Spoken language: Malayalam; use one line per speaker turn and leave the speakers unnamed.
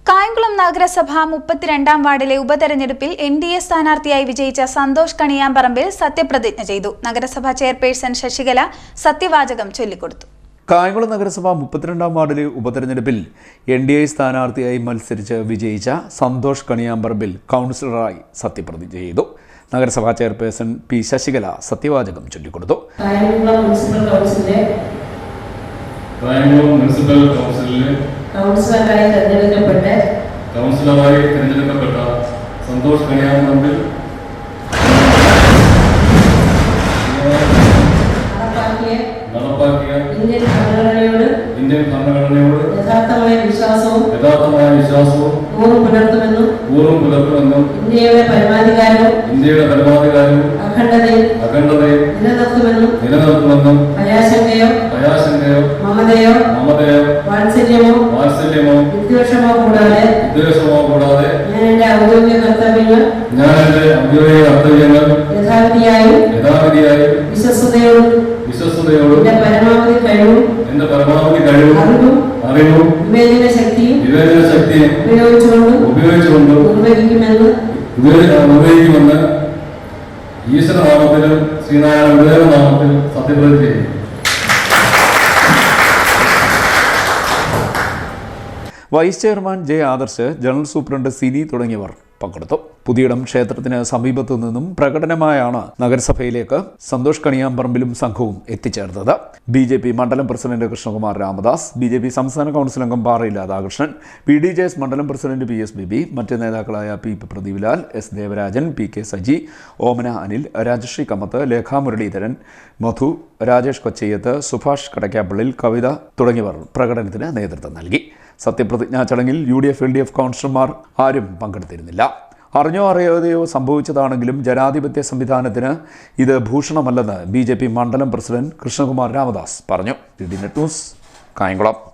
കായംകുളം നഗരസഭ 32-ാം വാർഡിലെ ഉപതെരഞ്ഞെടുപ്പിൽ എൻഡിഎ സ്ഥാനാർത്ഥിയായി വിജയിച്ച സന്തോഷ് കണിയാമ്പറമ്പിൽ സത്യപ്രതിജ്ഞ ചെയ്തു. നഗരസഭാ ചെയർപേഴ്സൺ ശശികല സത്യവാചകം ചൊല്ലിക്കൊടുത്തു.
കായംകുളം നഗരസഭ 32-ാം വാർഡിലെ ഉപതെരഞ്ഞെടുപ്പിൽ എൻഡിഎ സ്ഥാനാർത്ഥിയായി മത്സരിച്ച് വിജയിച്ച സന്തോഷ് കണിയാമ്പറമ്പിൽ കൗൺസിലറായി സത്യപ്രതിജ്ഞ ചെയ്തു. നഗരസഭാ ചെയർപേഴ്സൺ പി ശശികല സത്യവാചകം ചൊല്ലിക്കൊടുത്തു.
കൗൺസിലറായി തിരഞ്ഞെടുക്കപ്പെട്ട സന്തോഷ് കണിയാമ്പറമ്പിൽ നടപ്പാക്കിയ ഇന്ത്യൻ ഭരണഘടനയോട് യഥാർത്ഥമായ വിശ്വാസവും പൂർവ്വം പുലർത്തുമെന്നും ഇന്ത്യയുടെ പരമാധികാരവും അഖണ്ഡതയും നിലനിർത്തുമെന്നും ഭയാശങ്കയോ മമതയോ വാത്സല്യമോ വിദ്വേഷമോ കൂടാതെ ഞാൻ എന്റെ ഔദ്യോഗിക കർത്തവ്യങ്ങൾ യഥാവിധിയായും വിശ്വസ്തയോടും എന്റെ പരമാവധി കഴിവും അറിവും വിവേചന ശക്തിയും ഉപയോഗിച്ചുകൊണ്ട് നിർവഹിക്കുമെന്ന് ഈശ്വരനാമത്തിലും ശ്രീനാരായണ ഗുരുദേവ നാമത്തിൽ സത്യപ്രതിജ്ഞ ചെയ്യും.
Vice chairman J Adarsh, general superintendent Sini തുടങ്ങിയവർ പങ്കെടുത്തു. പുതിയിടം ക്ഷേത്രത്തിന് സമീപത്തു നിന്നും പ്രകടനമായാണ് നഗരസഭയിലേക്ക് സന്തോഷ് കണിയാമ്പറമ്പിലും സംഘവും എത്തിച്ചേർന്നത്. BJP മണ്ഡലം പ്രസിഡന്റ് കൃഷ്ണകുമാർ രാമദാസ്, BJP സംസ്ഥാന കൗൺസിൽ അംഗം പാറയിൽ രാധാകൃഷ്ണൻ, PDJS മണ്ഡലം പ്രസിഡന്റ് PS ബേബി, മറ്റ് നേതാക്കളായ P പ്രദീപ്ലാൽ, S Devarajan, PK Saji, ഓമന അനിൽ, രാജശ്രീ കമ്മത്ത്, ലേഖ മുരളീധരൻ, മധു, രാജേഷ് കൊച്ചയ്യത്ത്, സുഭാഷ് കടക്കാപ്പള്ളിൽ, കവിത തുടങ്ങിയവർ പ്രകടനത്തിന് നേതൃത്വം നൽകി. സത്യപ്രതിജ്ഞാ ചടങ്ങിൽ UDF LDF കൗൺസിലർമാർ ആരും പങ്കെടുത്തിരുന്നില്ല. അറിഞ്ഞോ അറിയാതെയോ സംഭവിച്ചതാണെങ്കിലും ജനാധിപത്യ സംവിധാനത്തിന് ഇത് ഭൂഷണമല്ലെന്ന് BJP മണ്ഡലം പ്രസിഡന്റ് കൃഷ്ണകുമാർ രാമദാസ് പറഞ്ഞു. ന്യൂസ് കായംകുളം.